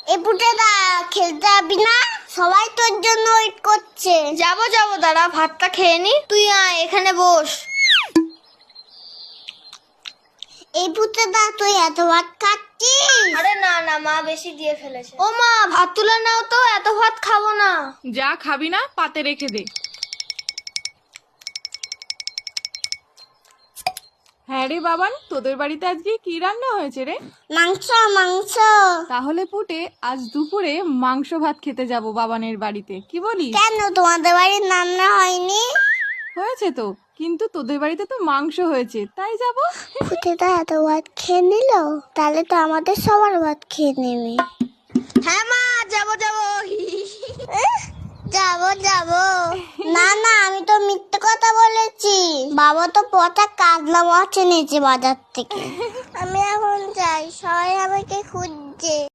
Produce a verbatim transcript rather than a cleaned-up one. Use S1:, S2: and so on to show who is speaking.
S1: এই পুটেদা খেলতে যাবি না? সবাই তোর জন্য ওয়েট করছে।
S2: যাবো যাবো, দাঁড়া ভাতটা খেয়ে নি। তুই আয় এখানে বস।
S1: এই পুটেদা তুই এত ভাত খাচ্ছিস?
S2: আরে না না, মা বেশি দিয়ে ফেলেছে। ও মা, ভাত তুলে নাও তো, এত ভাত খাবো না।
S3: যা খাবি না পাতে রেখে দে। হ্যাঁ রে বাবান, তোদের বাড়িতে আজকে কি রান্না হয়েছে রে?
S1: মাংস মাংস।
S3: তাহলে পুটে আজ দুপুরে মাংস ভাত খেতে যাব বাবানের বাড়িতে, কি বলিস?
S1: কেন তোমাদের বাড়ির রান্না হয়নি?
S3: হয়েছে তো, কিন্তু তোদের বাড়িতে তো মাংস হয়েছে, তাই যাব।
S1: পুটেদা এত ভাত খেয়ে নিল, তাহলে তো আমাদের সবার ভাত খেয়ে নেবে।
S2: হ্যাঁ মা, যাবো যাবো।
S1: যাবো যাবো। না না, আমি তো মিথ্যে কথা বলেছি। বাবা তো পচা কাতলা মাছ এনেছে বাজার থেকে। আমি এখন যাই, সবাই আমাকে খুঁজছে।